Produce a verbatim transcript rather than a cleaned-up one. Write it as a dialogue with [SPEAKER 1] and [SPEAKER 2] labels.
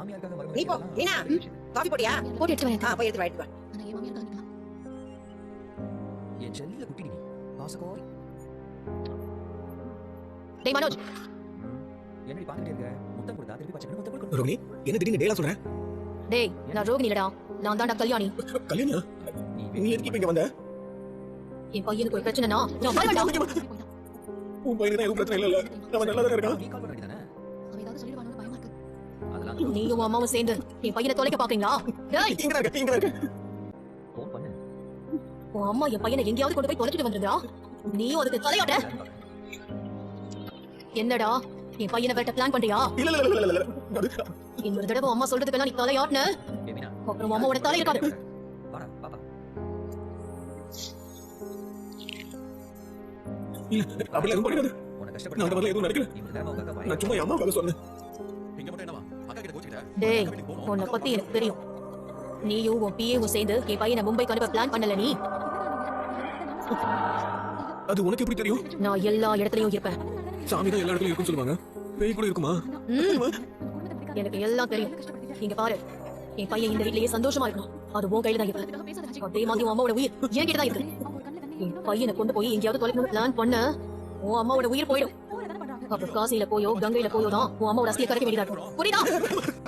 [SPEAKER 1] நீ போ மீனா காபி போடியா
[SPEAKER 2] போட்டு எடுத்து வரேன்
[SPEAKER 1] ஆ போய் எடுத்து வா
[SPEAKER 2] நான் ஏன் மாமியார் தான்
[SPEAKER 3] என் செல்லில குட்டி நீ பாசகோரி
[SPEAKER 2] டேய் மனோஜ்
[SPEAKER 3] என்னடி பாத்துட்டே இருக்க முத்தம் கொடுத்தா திருப்பி பச்சை முத்தம் கொடுக்கணும்
[SPEAKER 4] ரோகிணி என்ன திடீர்னு டேலா சொல்ற
[SPEAKER 2] டேய் நான் ரோகிணி இல்லடா நான் தான்டா கல்யாணி
[SPEAKER 4] கல்யாணா நீ எதுக்கு இங்க வந்த
[SPEAKER 2] என் பையனுக்கு ஒரு பிரச்சனைனா நான் வரவேண்டா
[SPEAKER 4] உன் பையனுக்கு எதுவும் பிரச்சனை இல்ல அவன் நல்லா தான் இருக்கான்
[SPEAKER 3] நீ கால் பண்ணி தானே
[SPEAKER 2] அவன் ஏதாவது சொல்லிடுவானோன்னு பயமா இருக்கு
[SPEAKER 3] அதெல்லாம்
[SPEAKER 2] நீயும் அம்மாவும் சேர்ந்து என் பையனை தொலைக்க பாக்கீங்களா டேய்
[SPEAKER 4] இங்க தான் இருக்க இங்க தான் இருக்க
[SPEAKER 3] ஃபோன் பண்ணு
[SPEAKER 2] உன் அம்மா என் பையனை எங்கேயாவது கொண்டு போய் தொலைச்சிட்டு வந்துருந்தா நீயும் அதுக்கு தலையாட்ட என்னடா என் பையனை வேட்ட பிளான் பண்றியா
[SPEAKER 4] இல்ல இல்ல இல்ல இல்ல இல்ல அது
[SPEAKER 2] இன்னொரு தடவை அம்மா சொல்றதுக்கெல்லாம் நீ தலையாட்டுன
[SPEAKER 3] ஏமினா
[SPEAKER 2] அப்புறம் அம்மாவோட தலை இருக்காது
[SPEAKER 3] வாடா பாப்பா
[SPEAKER 4] அப்படி எதுவும் பண்ணிடாத
[SPEAKER 3] உன
[SPEAKER 4] நான் அந்த
[SPEAKER 3] கஷ்டப்பட்டு
[SPEAKER 4] மாதிரி எதுவும் நடக்கல
[SPEAKER 3] நீ இந்த நேரமா உட்கார்ந்து
[SPEAKER 4] நான் சும்மா என் அம்மாவுக்காக சொன்னேன்
[SPEAKER 5] இங்க மட்டும் என்னவா அக்கா கிட்ட கோச்சிக்கிட்ட
[SPEAKER 2] டேய் உன்னை பத்தி எனக்கு தெரியும் நீயும் உன் பிஏவும் சேர்ந்து என் பையனை மும்பைக்கு அனுப்ப பிளான் பண்ணல நீ
[SPEAKER 4] அது உனக்கு எப்படி தெரியும்
[SPEAKER 2] நான் எல்லா இடத்துலயும் இருப்பேன்
[SPEAKER 4] சாமி தான் எல்லா இடத்துலயும் இருக்குன்னு சொல்லுவாங்க பேய் கூட இருக்குமா
[SPEAKER 2] ம். எனக்கு எல்லாம் தெரியும் இங்க பாரு என் பையன் இந்த வீட்லயே சந்தோஷமா இருக்கணும் அது உன் கையில தான் இருக்கு அதே மாதிரி உன் அம்மாவோட உயிர் என் கிட்ட தான் இருக்கு என் பையனை கொண்டு போய் எங்கேயாவது தொலைக்கணும் பிளான் பண்ண உன் அம்மாவோட உயிர் போயிடும் அப்ப காசியில போயோ கங்கையில போயோ தான் உன் அம்மாவோட அஸ்தியை கரைக்க வேண்டியதா இருக்கும் புரியுதா